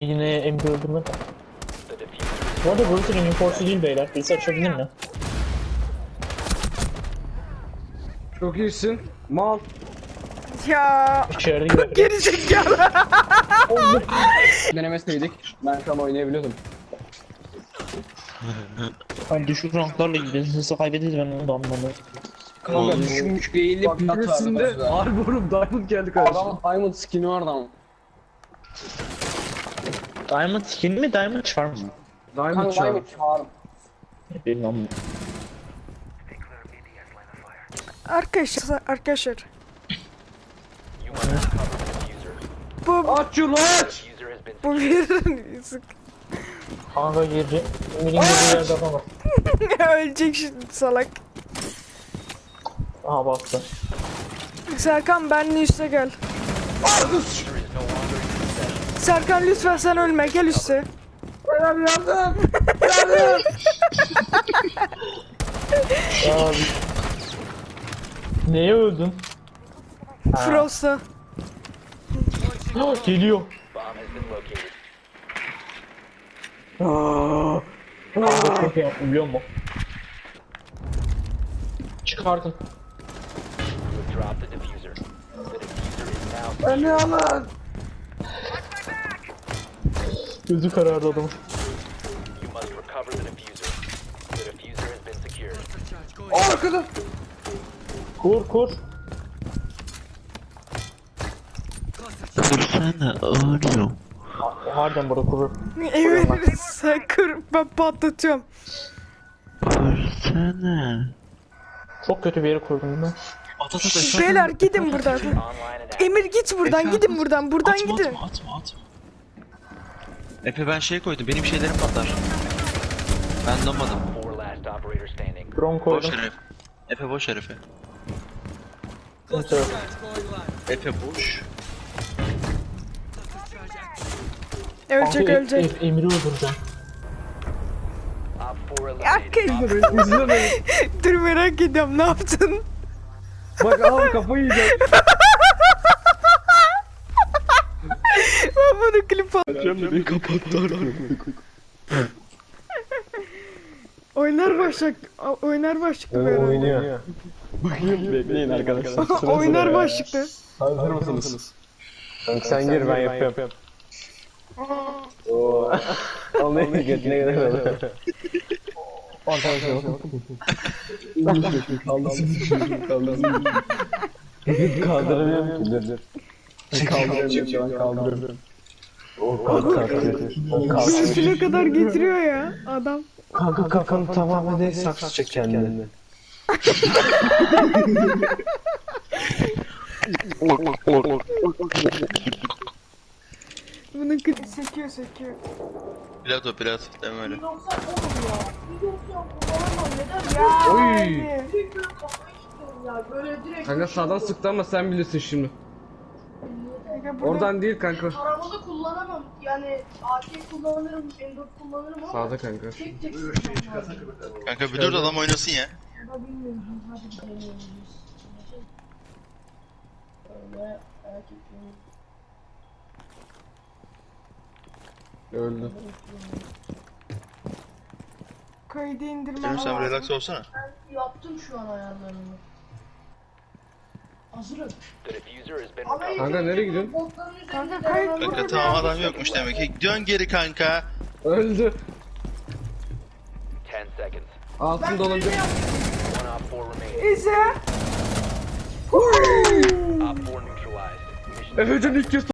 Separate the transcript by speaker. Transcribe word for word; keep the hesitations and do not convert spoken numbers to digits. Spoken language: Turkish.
Speaker 1: Yine Emre öldürmek. Bu arada burası reinforce'u değil beyler. Birisi açabilir mi?
Speaker 2: Çok iyisin. Mal.
Speaker 3: Ya
Speaker 1: İçeride gibi.
Speaker 3: geri zekalı.
Speaker 2: Denemeseydik ben tam oynayabiliyordum.
Speaker 1: Hani düşük ranklarla ilgili hızlı kaybederiz, ben onu da anlamadım.
Speaker 2: Kanka düşmüş eğilip birisinde Arborum Diamond geldi kardeşim. Adam Diamond skin'i vardı ama.
Speaker 1: Diamond skin mi, Diamond charm mı?
Speaker 2: Diamond
Speaker 4: Kanka
Speaker 2: çağır.
Speaker 4: Diamond çağırım.
Speaker 1: Benim anlamadım.
Speaker 3: Arkadaşlar arkadaşlar. Bu
Speaker 2: Aç şunu aç!
Speaker 3: bu bir sık.
Speaker 1: Kanka girdi. Emir'in girdiği yerde adam var.
Speaker 3: Ölecek şimdi salak.
Speaker 1: Aha bastı.
Speaker 3: Serkan benle üste gel. Serkan lütfen sen ölme, gel üste.
Speaker 2: Yardım yardım! Yardım!
Speaker 1: Abi. Neye öldün?
Speaker 3: Frost'a.
Speaker 1: Geliyor. Aaa. Kanka çok iyi yaptım biliyor musun? Çıkardın.
Speaker 2: Beni alın!
Speaker 1: Gözü karardı adamın.
Speaker 2: Arkada!
Speaker 1: Kur kur.
Speaker 5: Kursana oğlum.
Speaker 1: Harbiden burada kurur.
Speaker 3: Emir sen kır, ben patlatıyorum.
Speaker 5: Kursana.
Speaker 1: Çok kötü bir yere kurdum ben.
Speaker 5: At at at.
Speaker 3: Şşş, beyler gidin buradan. Emir git buradan,
Speaker 5: Efe,
Speaker 3: gidin buradan, buradan
Speaker 5: atma,
Speaker 3: gidin.
Speaker 5: Atma atma atma. Efe ben şey koydum, benim şeylerim patlar. Ben donmadım.
Speaker 1: Drone
Speaker 5: Boş
Speaker 1: koydum.
Speaker 5: herif. Efe boş herife.
Speaker 1: Kimse yok.
Speaker 5: Efe boş.
Speaker 3: Ölecek
Speaker 1: Kanka,
Speaker 3: ölecek.
Speaker 1: Em- Emir'i öldüreceğim.
Speaker 3: Arkadaşlar
Speaker 2: İzlemeyin.
Speaker 3: dur merak ediyorum, ne yaptın?
Speaker 2: Bak al kafayı yiyecek.
Speaker 3: Ben bunu klip al.
Speaker 5: Beni kapattı.
Speaker 3: Oynar başlık, oynar başlıklı böyle.
Speaker 2: Oynuyor. Bekleyin arkadaşlar.
Speaker 3: Oynar başlıklı.
Speaker 2: Hazır mısınız? Kanka sen gir ben yapıyorum. Ooo. Olmayı götüne gidelim. Arkadaşlar bakın. Kaldırsın. Kaldırsın. Kaldıramıyorum ki dur dur. Kaldıramıyorum şu an kaldırıyorum. O kalk kalk.
Speaker 3: Üstüne kadar getiriyor ya adam.
Speaker 2: Kanka kafanı tamamen de saksı çek kendini.
Speaker 3: Bunun klip sekiyor sekiyor.
Speaker 5: Pilat o pilat. Deme öyle.
Speaker 3: Ya
Speaker 2: Oy.
Speaker 3: abi.
Speaker 6: Ya böyle direkt
Speaker 2: Kanka sağdan sıktı ama sen bilirsin şimdi.
Speaker 3: Kanka burada-
Speaker 2: Oradan değil kanka.
Speaker 6: arabada kullanamam. Yani A K kullanırım, M dört kullanırım ama
Speaker 2: Sağda kanka.
Speaker 6: tek tek sıkmam lazım.
Speaker 5: Kanka bir dur da adam oynasın ya.
Speaker 6: Ya bilmiyorum. Hadi deneyelim. Öyle erkeklerin
Speaker 2: Öldü.
Speaker 3: Kaydı indirmem
Speaker 5: Canım sen
Speaker 3: lazım.
Speaker 5: relax olsana.
Speaker 6: ben yaptım şu an ayarlarını. Hazırım. Ama
Speaker 2: Kanka nereye gidiyorsun?
Speaker 6: botların üzerinde
Speaker 3: Kanka kayıt
Speaker 6: denemem
Speaker 5: Kanka
Speaker 6: lazım.
Speaker 5: tamam adam yokmuş demek ki. Dön geri kanka.
Speaker 2: Öldü.
Speaker 6: Ben
Speaker 2: Altında olabilir.
Speaker 6: öyle yaptım.
Speaker 3: İse.
Speaker 2: Efecan ilk kez